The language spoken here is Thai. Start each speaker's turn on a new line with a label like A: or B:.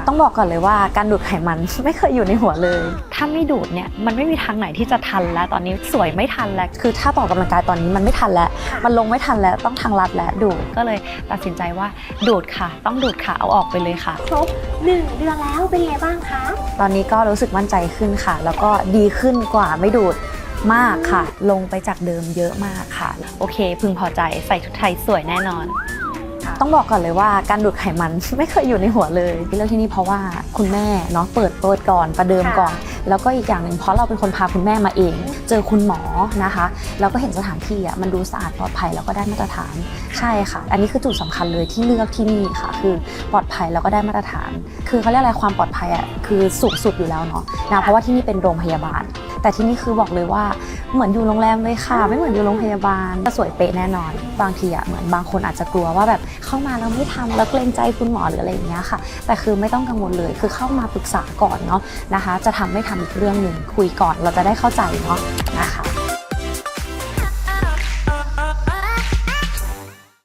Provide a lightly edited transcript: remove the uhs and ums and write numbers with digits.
A: ต้องบอกก่อนเลยว่าการดูดไขมัน ไม่เคยอยู่ในหัวเลยถ้าไม่ดูดเนี่ยมันไม่มีทางไหนที่จะทันแล้วตอนนี้สวยไม่ทันแล้วคือถ้าต่อกำลังกายตอนนี้มันไม่ทันแล้วมันลงไม่ทันแล้วต้องทางลัดแล้วดูดก็เลยตัดสินใจว่าดูดค่ะต้องดูดค่ะเอาออกไปเลยค่ะ
B: ครบ1 เดือนแล้วเป็นไงบ้างคะ
A: ตอนนี้ก็รู้สึกมั่นใจขึ้นค่ะแล้วก็ดีขึ้นกว่าไม่ดูดมากค่ะลงไปจากเดิมเยอะมากค่ะโอเคพึงพอใจใส่ชุดไทยสวยแน่นอนต้องบอกก่อนเลยว่าการดูดไขมัน ไม่เคยอยู่ในหัวเลยเลือกที่นี่เพราะว่าคุณแม่เนาะเปิดก่อนประเดิมก่อนแล้วก็อีกอย่างหนึ่งเพราะเราเป็นคนพาคุณแม่มาเองเจอคุณหมอนะคะแล้วก็เห็นสถานที่มันดูสะอาดปลอดภัยแล้วก็ได้มาตรฐานใช่ค่ะอันนี้คือจุดสำคัญเลยที่เลือกที่นี่ค่ะคือปลอดภัยแล้วก็ได้มาตรฐานคือเขาเรียกอะไรความปลอดภัยคือสูงสุดอยู่แล้วเนาะเพราะว่าที่นี่เป็นโรงพยาบาลแต่ที่นี่คือบอกเลยว่าเหมือนอยู่โรงแรมเลยค่ะไม่เหมือนอยู่โรงพยาบาลจะสวยเป๊ะแน่นอนบางทีเหมือนบางคนอาจจะกลัวว่าแบบเข้ามาแล้วไม่ทำแล้วเกรงใจคุณหมอหรืออะไรอย่างเงี้ยค่ะแต่คือไม่ต้องกังวลเลยคือเข้ามาปรึกษาก่อนเนาะนะคะจะทำไม่ทำอีกเรื่องหนึ่งคุยก่อนเราจะได้เข้าใจเนาะนะคะ